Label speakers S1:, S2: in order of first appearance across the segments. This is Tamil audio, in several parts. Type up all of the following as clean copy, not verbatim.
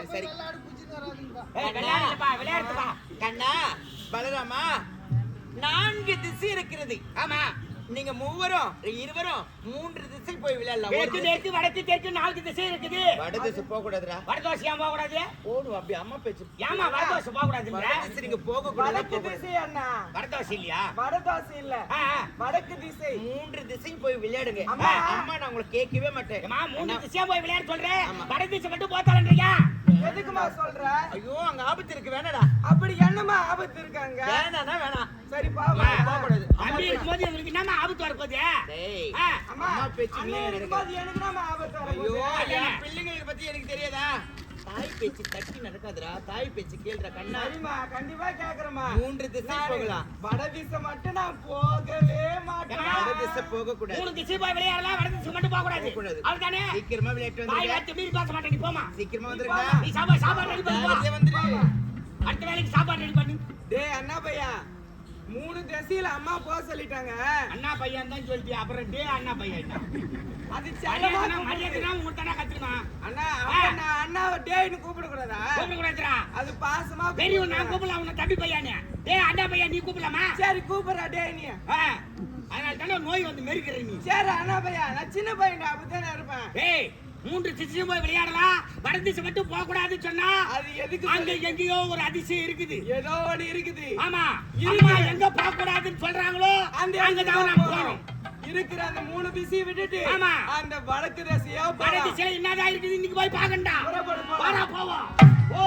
S1: சரி
S2: விளையாடுப்பா
S1: கண்ணா பலராமா 4 திசை இருக்கிறது.
S2: ஆமா
S1: நீங்க மூவரும் இருவரும் 3 திசை போய் விளையாடலாம்.
S2: தெற்கு வடக்கு தெற்கு 4 திசை இருக்குது.
S1: வட திசை போக கூடாதுடா.
S2: வடதோசை ஏன் போக கூடாது?
S1: ஓடு அப்படி அம்மா பேச்சு.
S2: ஏமா வடதோசை போக கூடாதுன்ற?
S1: வட திசை நீங்க போக கூடாது.
S3: வடக்கு திசை அண்ணா.
S2: வடதோசை இல்லையா?
S3: வடதோசை இல்ல. வடக்கு திசை.
S1: 3 திசை போய் விளையாடுங்க.
S3: அம்மா
S1: நான் உங்களை கேட்கவே மாட்டேன்.
S2: அம்மா 3 திசையா போய் விளையாட சொல்றேன். வட திசை மட்டும் போத்தாலன்றீங்க.
S3: எதுக்குமா சொல்ற?
S1: ஐயோ அங்க ஆபத்து இருக்கு வேணாடா.
S3: அப்படி என்னமா ஆபத்து இருக்காங்க?
S1: வேணானா வேணாம்.
S3: சரி பாவா
S1: போக கூடாது.
S2: அம்மா இருக்கும்போது உங்களுக்கு என்னமா ஆபத்து வரப்போகுது?
S1: டேய்
S3: அம்மா
S1: பேச்சு
S3: அண்ணா இருக்கும்போது எனக்கு நாம ஆபத்து
S1: ஐயோ
S3: வரப்போகுது.
S1: என் பிள்ளைங்களுக்கு பத்தி எனக்கு தெரியாதா? தாய் பேச்சு தட்டி நடக்காதுடா. தாய் பேச்சு கேளுடா கண்ணா.
S3: சரிம்மா கண்டிப்பா கேக்குறேம்மா.
S1: 3 திசை போகலாம்.
S3: வட திசை மட்டும் நான் போகவே மாட்டேன்.
S1: வட திசை போக கூடாது.
S2: 3 திசை போய் விளையாடலாம். வட திசை மட்டும் போக கூடாது. அவ்வளவுதானே?
S1: சீக்கிரமா விளையாட்டு
S2: பாய்
S1: வந்துருங்க.
S2: வார்த்தை மீறி பேச மாட்டே. நீ போமா.
S1: சீக்கிரமா வந்துருங்க.
S2: நீ சாப்பாடு ரெடி பண்ணு.
S1: நேரத்தே வந்துரு.
S2: அடுத்த வேளைக்கு சாப்பாடு ரெடி பண்ணு.
S3: டேய் அண்ணா பையா 3 திசையில அம்மா போக சொல்லிட்டாங்க.
S2: அண்ணா பையன் தான் சொல்லிட்டியா? அப்புறம் டே அண்ணா பையன்
S3: அது செல்லமா
S2: மரியாதைனா உங்களுக்கு தானே கத்துமா?
S3: அண்ணா அண்ணா அண்ணாவை டேய்னு கூப்பிட கூடாதா?
S2: கூப்பிட கூடாதுடா.
S3: அது பாசமா
S2: பெரியவன் நான் கூப்பிடலாம். உன்னை தம்பி பையனே. டேய் அண்ணா பையன் நீ கூப்பிடலாமா?
S3: சரி கூப்பிடுறா டேய் நீ.
S2: அதனால தானே நோய் வந்து மெருக்கிற நீ.
S3: சரி அண்ணா பையா நான் சின்ன பையன்டா அப்படித்தானே இருப்பேன்.
S2: ஏய் 3 திசையும் போய் விளையாடலாம். வட திசை மட்டும் போக கூடாதுன்னு சொன்னா
S3: அது எதுக்கு?
S2: அங்க எங்கேயோ ஒரு அதிசயம் இருக்குது.
S3: ஏதோ ஒண்ணு இருக்குது.
S2: ஆமா அம்மா எங்க போக கூடாதுன்னு சொல்றாங்களோ அங்க தான் நாம போறோம்.
S3: இருக்கிற அந்த 3 திசையை விட்டுட்டு
S2: ஆமா
S3: அந்த வடக்கு திசையா
S2: வட திசையில என்னதான் இருக்குது இன்னைக்கு போய் பாக்கண்டா. வாடா போவோம். ஓ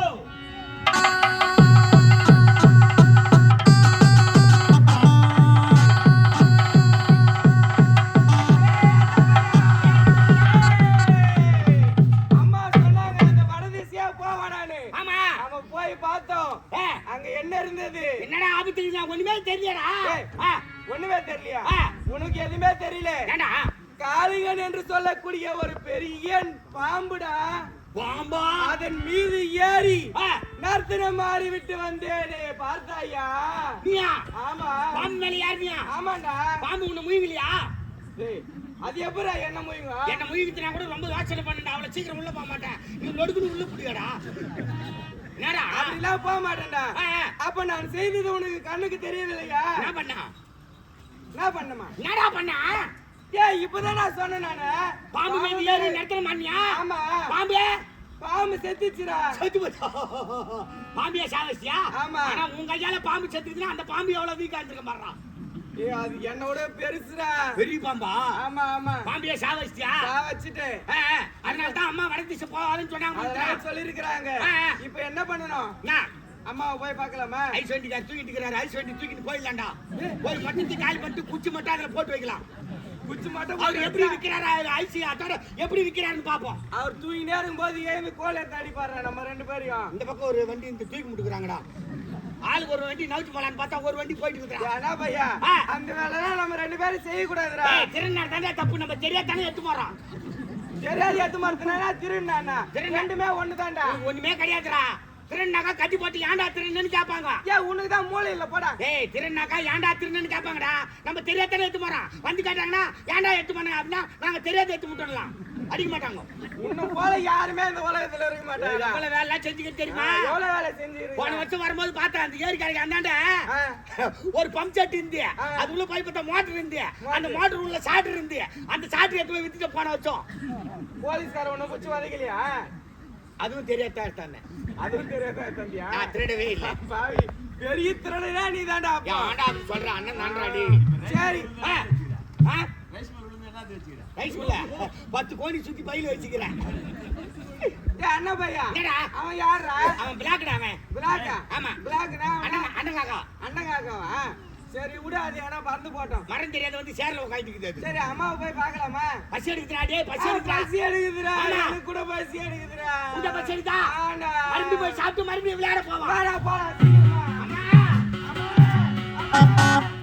S2: என்னடா ஆபத்து? ஒண்ணுமே தெரியலடா.
S3: ஒண்ணுமே தெரியலையா? உனக்கு எதுவுமே தெரியல. காளிங்கன் என்று சொல்லக்கூடிய ஒரு பெரிய பாம்புடா.
S2: பாம்பா?
S3: அதன் மீது ஏறி நர்த்தனம் மாறி விட்டு வந்தேனே பார்த்தாயா?
S2: நீயா?
S3: ஆமா.
S2: பாம்பு மேல ஏறியா?
S3: ஆமாண்டா.
S2: பாம்பு உன்னை முயங்கலையா?
S3: அது எப்படா என்ன முயங்க?
S2: என்ன முயங்கினா கூட ரொம்ப யோசனை பண்ணா. அவ்வளவு சீக்கிரம் உள்ள போக மாட்டேன். நீ நொடுக்குன்னு உள்ள புடியாடா. என்னடா
S3: அப்படிலாம் போக மாட்டேன்டா. அப்ப நான் செய்தது உனக்கு கண்ணுக்கு தெரியலையா?
S2: என்ன பண்ணா?
S3: என்ன பண்ணமா?
S2: என்னடா பண்ணா?
S3: ஏய் இப்பதான் நான் சொன்னேன் நானு.
S2: பாம்பு மேல ஏறி நர்த்தனம் பண்ணியா?
S3: ஆமா. பாம்பு செத்துச்சுடா.
S2: செத்து போச்சா? பாம்பியா சாவச்சியா?
S3: ஆமா.
S2: ஆனா உங்க கையால பாம்பு செத்துதுன்னா அந்த பாம்பு எவ்வளவு வீக்கா இருந்திருக்க மாட்டா?
S3: ஏய் அது என்னோட பெருசுடா.
S2: பெரிய பாம்பா?
S3: ஆமா ஆமா.
S2: பாம்பியா சாவச்சியா?
S3: சாவச்சிட்டே.
S2: அதனால தான் அம்மா வட திசை போவாதுன்னு சொன்னாங்க.
S3: சொல்லிருக்காங்க. இப்போ என்ன பண்ணனும்? அம்மாவை போய் பார்க்கலாமா?
S2: ஐஸ் வண்டி தூக்கிட்டு இருக்காரு. ஐஸ் வண்டி தூக்கிட்டு போயிடலாம்டா. போய் மட்டும் கால் பண்ணிட்டு குச்சி மட்டும் அதுல போட்டு வைக்கலாம்.
S3: குச்சி மட்டும்
S2: அவர் எப்படி விக்கிறாரு? ஐஸ் அதோட எப்படி விக்கிறாருன்னு பாப்போம்.
S3: அவர் தூங்கினே இருக்கும்போது ஏன் கோல் எடுத்து அடிப்பாரு நம்ம 2 பேரையும்.
S2: இந்த பக்கம் ஒரு வண்டி இந்த தூக்கி முட்டுக்குறாங்கடா. ஆளுக்கு ஒரு வண்டி நவுச்சு போலான்னு பார்த்தா ஒரு வண்டி போயிட்டு இருக்கா.
S3: ஏனா பையா அந்த வேலைலாம் நம்ம 2 பேரும் செய்ய கூடாதுடா.
S2: ஏய் திருநாள் தானே தப்பு. நம்ம தெரியாதானே எடுத்து போறோம்.
S3: தெரியாது எடுத்து மாட்டேனா திருநானா? ரெண்டுமே ஒண்ணுதான்டா.
S2: ஒண்ணுமே கிடையாதுடா. திருநாக்கா கட்டி போட்டு ஏன்டா திருநன்னு கேட்பாங்க.
S3: ஏய் உனக்கு தான் மூளை இல்ல போடா.
S2: ஏய் திருநாக்கா ஏன்டா திருநன்னு கேட்பாங்கடா. நம்ம தெரியாதானே எடுத்து போறோம். வந்து கேட்டாங்கன்னா ஏன்டா எடுத்து போனாங்க அப்படின்னா நாங்க தெரியாத எடுத்து முட்டலாம். அடிக்க மாட்டாங்க.
S3: இன்னும் போல யாருமே இந்த உலகத்துல இருக்க மாட்டாங்க.
S2: எவ்வளவு வேலை செஞ்சுக்கிட்டு தெரியுமா?
S3: எவ்வளவு வேலை செஞ்சிருக்கீங்க?
S2: போன வருஷம் வரும்போது பார்த்தா அந்த ஏரி கரைக்கு அந்தாண்ட ஒரு பம்ப் செட் இருந்து அது உள்ள போய் பார்த்தா மோட்டர் இருந்து அந்த மோட்டர் உள்ள சாட்டர் இருந்து அந்த சாட்டர் எடுத்து போய் வித்துட்டு போன வச்சோம்.
S3: போலீஸ்கார உன்னை குச்சி வதைக்கலையா?
S2: அதுவும் தெரியாதா தானே?
S3: அதுவும் தெரியாதா தம்பியா?
S2: நான் திருடவே இல்லை.
S3: பாவி பெரிய திருடனா நீ தான்டா.
S2: ஏன்டா அப்படி சொல்ற? அண்ணன் நான்றாடி.
S3: சரி
S2: ரைஸ் மில்ல 10 கோடி சுத்தி பையில வச்சுக்கிறேன்.
S3: ஏய் அண்ணா பையா அவன் யாரா?
S2: அவன் பிளாக்டா. அவன்
S3: பிளாக்கா?
S2: ஆமா
S3: பிளாக்னா
S2: அண்ணன் காக்கா.
S3: அண்ணன் காக்காவா? சரி விடு அது ஏன்னா பறந்து போட்டோம்.
S2: மரம் தெரியாத வந்து சேர்ல உட்காந்துக்குது.
S3: சரி அம்மாவை போய் பார்க்கலாமா?
S2: பசி எடுக்குதுடா. டேய் பசி எடுக்குதுடா.
S3: பசி எடுக்குதுடா. எனக்கு கூட பசி எடுக்குதுடா.
S2: இந்த பசி எடுத்தா
S3: ஆண்டா
S2: மறுபடியும் போய் சாப்பிட்டு மறுபடியும் விளையாட போவா.
S3: வாடா போலாம் சீக்கிரமா.
S2: அம்மா
S3: அம்மா